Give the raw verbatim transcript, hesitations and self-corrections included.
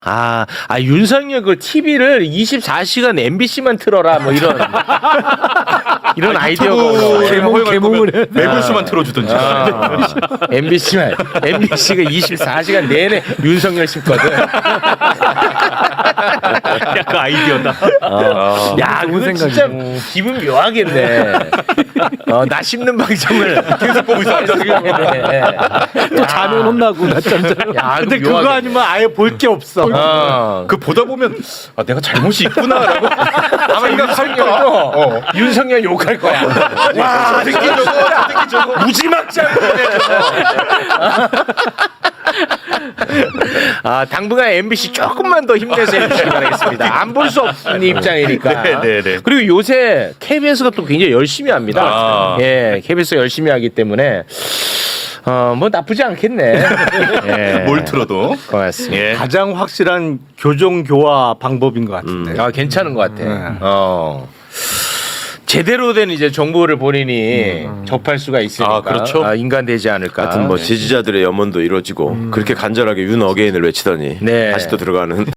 아, 아 윤석열 그 티비를 이십사 시간 엠비씨만 틀어라 뭐 이런 이런 아이디어가 개몽 개몽을 해. 매불수만 틀어주든지. 아, 엠비씨만 엠비씨가 이십사 시간 내내 윤석열 씹거든. 약간 아이디어다. 어. 야, 좋은 그거 생각이네. 진짜 기분 묘하겠네. 어, 나 씹는 방송을 계속 보고 있어. 또 자면 혼나고 낮잠자면. 야, 근데 그거 그거 묘하겠네. 아니면 아예 볼 게 없어. 어. 그 보다 보면 아 내가 잘못이 있구나라고 아마 윤석열도 어. 윤석열 욕할 거야. 와, 새끼 저거, 새끼 저거. 무지막지한 거네. 아, 당분간 엠비씨 조금만 더 힘내서 해주시기 바라겠습니다. 안 볼 수 없는 입장이니까. 네, 네, 네. 그리고 요새 케이비에스가 또 굉장히 열심히 합니다. 아. 예, 케이비에스가 열심히 하기 때문에 어, 뭐 나쁘지 않겠네. 예. 뭘 틀어도. 고맙습니다. 예. 가장 확실한 교정 교화 방법인 것 같은데. 아, 괜찮은 것 같아. 네. 어. 제대로 된 이제 정보를 본인이 접할 수가 있으니까 아, 그렇죠. 아, 인간 되지 않을까. 같은 뭐 지지자들의 염원도 이루어지고 그렇게 간절하게 윤 어게인을 외치더니 네. 다시 또 들어가는